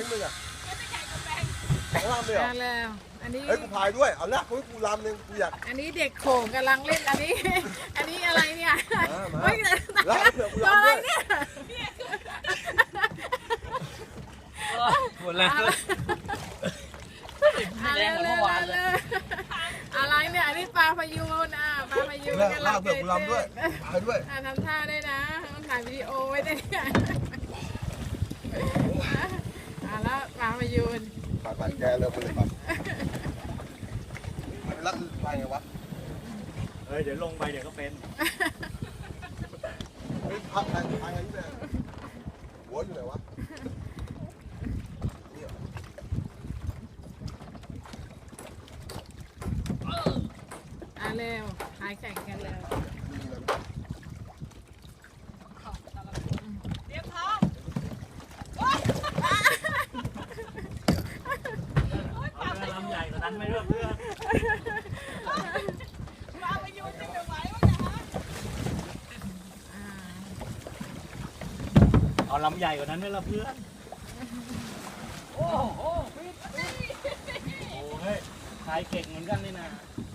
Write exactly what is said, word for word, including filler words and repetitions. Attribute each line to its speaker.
Speaker 1: นึงอ่ะลำเลยเหรอ
Speaker 2: มาแล้วอันนี้
Speaker 1: เฮ้ยกูพายด้วยเอาละกูกูลำหนึ่งกูอยาก
Speaker 2: อันนี้เด็กโขงกำลังเล่นอันนี้ อันนี้อะไรเนี่ย
Speaker 1: มามา
Speaker 2: เฮ้ย
Speaker 1: แล้วเผื่อกู
Speaker 2: ตัว
Speaker 1: ลำ
Speaker 2: อะไร
Speaker 1: ด้วย
Speaker 2: เนี่ย
Speaker 3: หมดแล้ว
Speaker 2: อะไรเลยอะไรเนี่ยอันนี้ปลาพยูนอ่ะปลาพยูน
Speaker 1: แล้ว
Speaker 2: กำ
Speaker 1: ลา
Speaker 2: ลัง
Speaker 1: เผื่อกูลำด้วยพายด้วย
Speaker 2: อ่ะทำท่าได้นะต้องถ่ายวิดีโอไว้ด้วยเนี่ยอ่ะแล้วปลาพยูน
Speaker 1: ปายปายแกเร็วไปเลยปั๊บแล้วไปไงวะ
Speaker 3: เฮ้ยเดี๋ยวลงไปเดี๋ยวก็เป็น
Speaker 1: เฮ้ยพักพายพายนี่แม่หัวอยู่ไหนวะนี่เหรอ
Speaker 2: อ่ะเร็วถ่ายแข่งกันเร็ว
Speaker 1: มีอะไร
Speaker 4: เรียบท้อง
Speaker 3: เอาเรือลำใหญ่กว่านั้นไหมเพื่อนเพื่อน
Speaker 4: มาไปยูนจะไม่ไหววะเนี่ยฮะ
Speaker 2: อ่า
Speaker 3: เอาลำใหญ่กว่านั้นไหมล่ะเพื่อน โอ้โหโอ้เฮ้ยชายเก่งเหมือนกันนี่นะ
Speaker 4: เ